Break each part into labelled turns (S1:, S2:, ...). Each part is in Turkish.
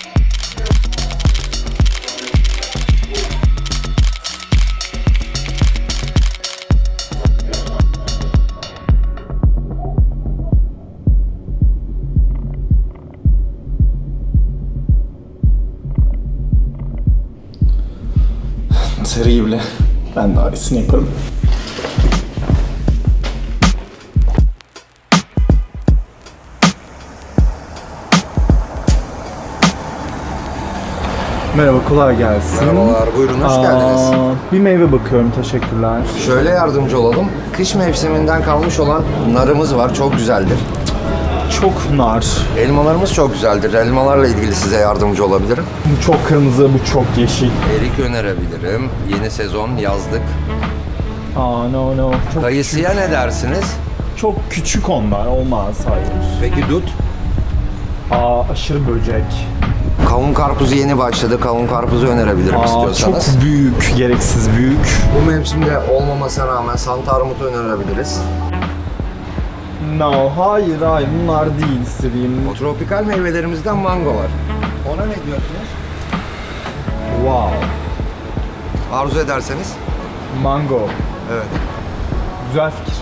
S1: Terrible. Ben daha iyisini yaparım. Merhaba, kolay gelsin.
S2: Merhabalar, buyurun, hoş geldiniz.
S1: Bir meyve bakıyorum, teşekkürler.
S2: Şöyle yardımcı olalım. Kış mevsiminden kalmış olan narımız var, çok güzeldir.
S1: Çok nar.
S2: Elmalarımız çok güzeldir. Elmalarla ilgili size yardımcı olabilirim.
S1: Bu çok kırmızı, bu çok yeşil.
S2: Erik önerebilirim. Yeni sezon, yazlık.
S1: No. Çok
S2: Kayısıya ne dersiniz?
S1: küçük. Çok küçük onlar, olmaz, hayır.
S2: Peki dut?
S1: Aşırı böcek.
S2: Kavun karpuzu yeni başladı. Kavun karpuzu önerebilirim istiyorsanız.
S1: Çok büyük, gereksiz büyük.
S2: Bu mevsimde olmamasına rağmen Santa armutu önerebiliriz.
S1: No, hayır, bunlar değil istediğim.
S2: O tropikal meyvelerimizden mango var. Ona ne diyorsunuz?
S1: Wow.
S2: Arzu ederseniz.
S1: Mango.
S2: Evet.
S1: Güzel fikir.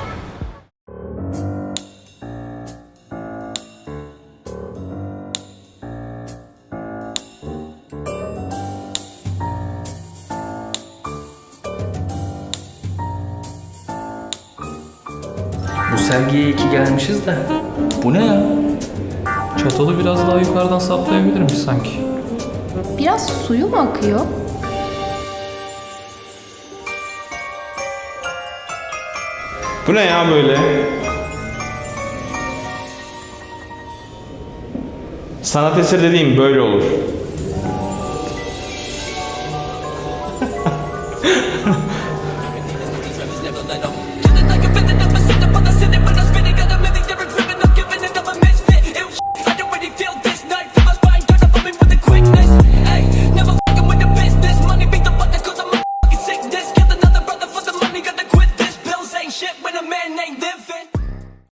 S3: Bu sergiye iki gelmişiz de. Bu ne ya? Çatalı biraz daha yukarıdan saplayabilirmiş sanki.
S4: Biraz suyu mu akıyor?
S5: Bu ne ya böyle? Sanat eseri dediğim böyle olur.